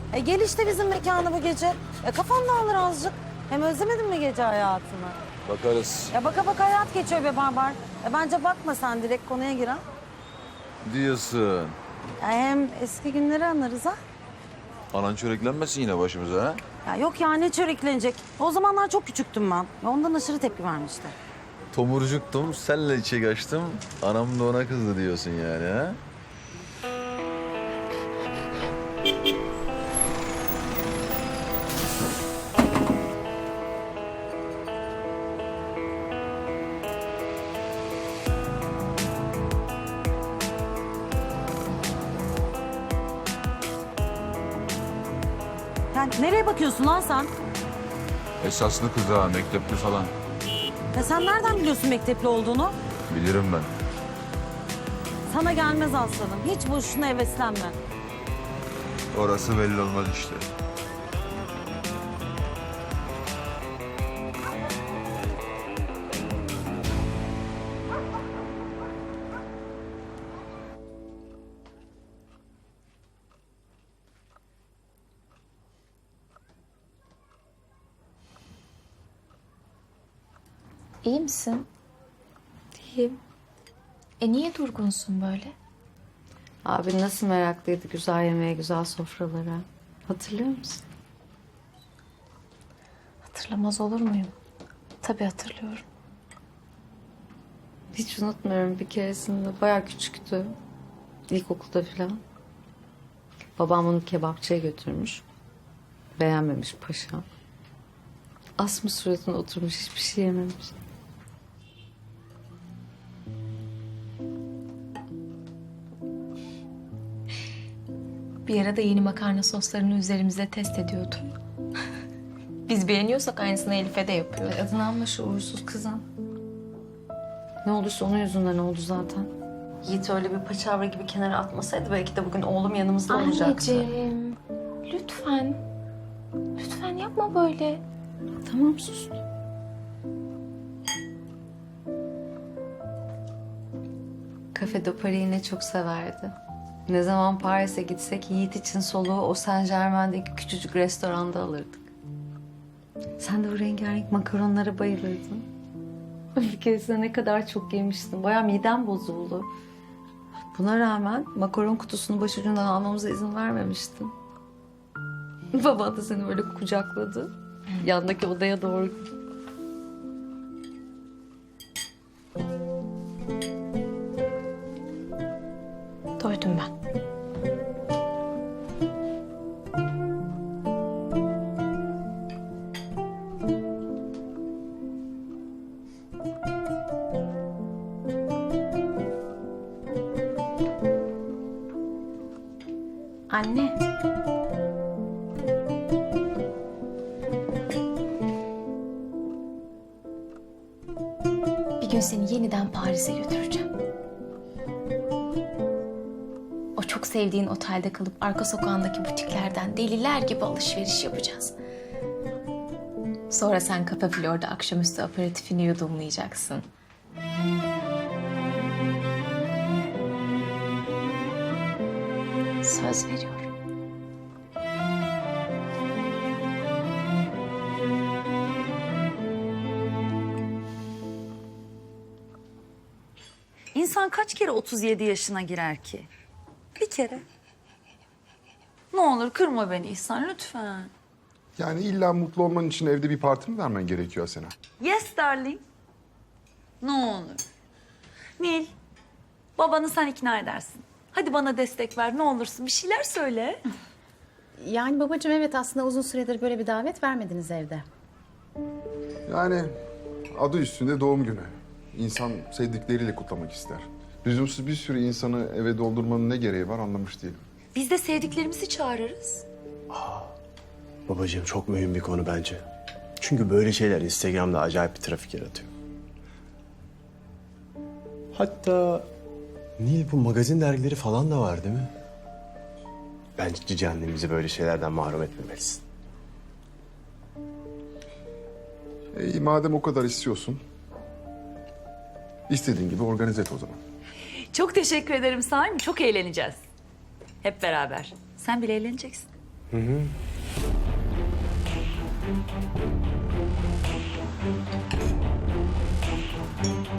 Gel işte bizim mekana bu gece. Kafan dağılır azıcık. Hem özlemedin mi gece hayatını? Bakarız. Baka baka hayat geçiyor be Barbar. Bence bakma sen, direkt konuya gir ha. Diyorsun. Hem eski günleri anlarız ha. Anan çöreklenmesin yine başımıza ha? Yok ya, ne çöreklenecek. O zamanlar çok küçüktüm ben. Ondan aşırı tepki vermişti. Tomurcuktum, senle içe kaçtım. Anam da ona kızdı diyorsun yani ha? Yani nereye bakıyorsun lan sen? Esaslı kız ha, mektepli falan. Sen nereden biliyorsun mektepli olduğunu? Bilirim ben. Sana gelmez aslanım. Hiç boşuna heveslenme. Orası belli olmaz işte. İyi misin? İyiyim. Niye durgunsun böyle? Abi nasıl meraklıydı güzel yemeğe, güzel sofralara. Hatırlıyor musun? Hatırlamaz olur muyum? Tabii hatırlıyorum. Hiç unutmuyorum, bir keresinde bayağı küçüktü. İlkokulda falan. Babam onu kebapçıya götürmüş. Beğenmemiş paşam. Asmış suratına oturmuş, hiçbir şey yememiş. Bir ara da yeni makarna soslarını üzerimize test ediyordu. Biz beğeniyorsak aynısını Elif'e de yapıyor. Adını alma şu uğursuz kızın. Ne olduysa onun yüzünden oldu zaten. Yiğit öyle bir paçavra gibi kenara atmasaydı belki de bugün oğlum yanımızda olacaktı. Anneciğim, lütfen. Lütfen yapma böyle. Tamam sus. Kafede Paris'i ne çok severdi. Ne zaman Paris'e gitsek Yiğit için soluğu o Saint Germain'deki küçücük restoranda alırdık. Sen de o rengarenk makaronlara bayılırdın. Bir keresinde ne kadar çok yemiştim. Bayağı midem bozuldu. Buna rağmen makaron kutusunu başucundan almamıza izin vermemiştin. Baban da seni böyle kucakladı. Yandaki odaya doğru. Doydum ben. Anne. Bir gün seni yeniden Paris'e götüreceğim. O çok sevdiğin otelde kalıp arka sokağındaki butiklerden deliler gibi alışveriş yapacağız. Sonra sen Cafe Flor'da akşamüstü aperatifini yudumlayacaksın. Söz veriyorum. İnsan kaç kere 37 yaşına girer ki? Bir kere. Ne olur kırma beni İhsan lütfen. Yani illa mutlu olman için evde bir parti mi vermen gerekiyor Asena? Yes darling. Ne olur. Nil, babanı sen ikna edersin. Hadi bana destek ver ne olursun bir şeyler söyle. Yani babacığım evet, aslında uzun süredir böyle bir davet vermediniz evde. Yani adı üstünde doğum günü. İnsan sevdikleriyle kutlamak ister. Lüzumsuz bir sürü insanı eve doldurmanın ne gereği var anlamış değilim. Biz de sevdiklerimizi çağırırız. Babacığım çok mühim bir konu bence. Çünkü böyle şeyler Instagram'da acayip bir trafik yaratıyor. Hatta Nil bu magazin dergileri falan da var değil mi? Bence cici annemizi böyle şeylerden mahrum etmemelisin. İyi madem o kadar istiyorsun. İstediğin gibi organize et o zaman. Çok teşekkür ederim Saim. Çok eğleneceğiz. Hep beraber. Sen bile eğleneceksin. Hı hı.